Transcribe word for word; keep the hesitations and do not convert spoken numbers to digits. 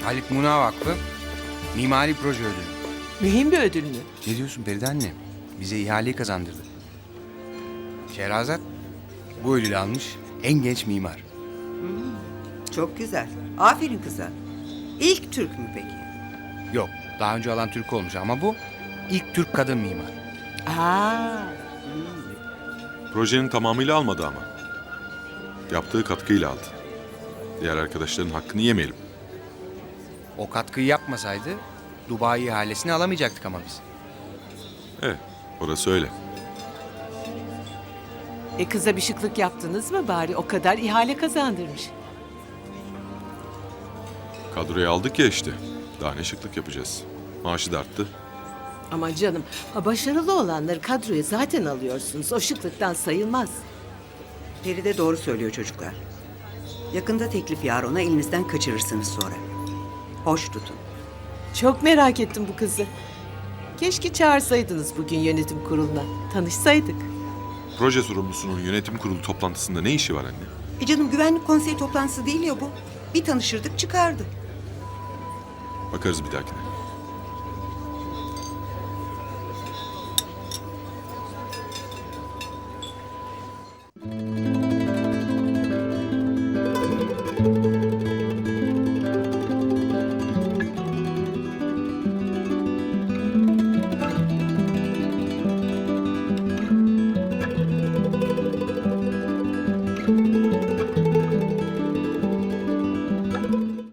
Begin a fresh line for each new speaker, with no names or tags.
Halit Muna Vakfı Mimari Proje Ödülü.
Mühim bir ödül mü?
Ne diyorsun Feride anne? Bize ihaleyi kazandırdı. Şehrazat bu ödülü almış en genç mimar.
Çok güzel. Aferin kıza. İlk Türk mü peki?
Yok, daha önce alan Türk olmuş ama bu ilk Türk kadın mimar.
Aa,
Projenin tamamıyla almadı ama. Yaptığı katkıyla aldı. Diğer arkadaşların hakkını yemeyelim.
O katkıyı yapmasaydı Dubai ihalesini alamayacaktık ama biz.
Evet, orası öyle.
e kıza bir şıklık yaptınız mı bari? O kadar ihale kazandırmış.
Kadroya aldık ya işte. Daha ne şıklık yapacağız. Maaşı da arttı.
Ama canım, ha, başarılı olanları kadroya zaten alıyorsunuz. O şıklıktan sayılmaz.
Feride doğru söylüyor çocuklar. Yakında teklif yar ona elinizden kaçırırsınız sonra. Hoş tutun.
Çok merak ettim bu kızı. Keşke çağırsaydınız bugün yönetim kuruluna. Tanışsaydık.
Proje sorumlusunun yönetim kurulu toplantısında ne işi var anne?
E canım güvenlik konseyi toplantısı değil ya bu. Bir tanışırdık çıkardı.
Bakarız bir dahakine.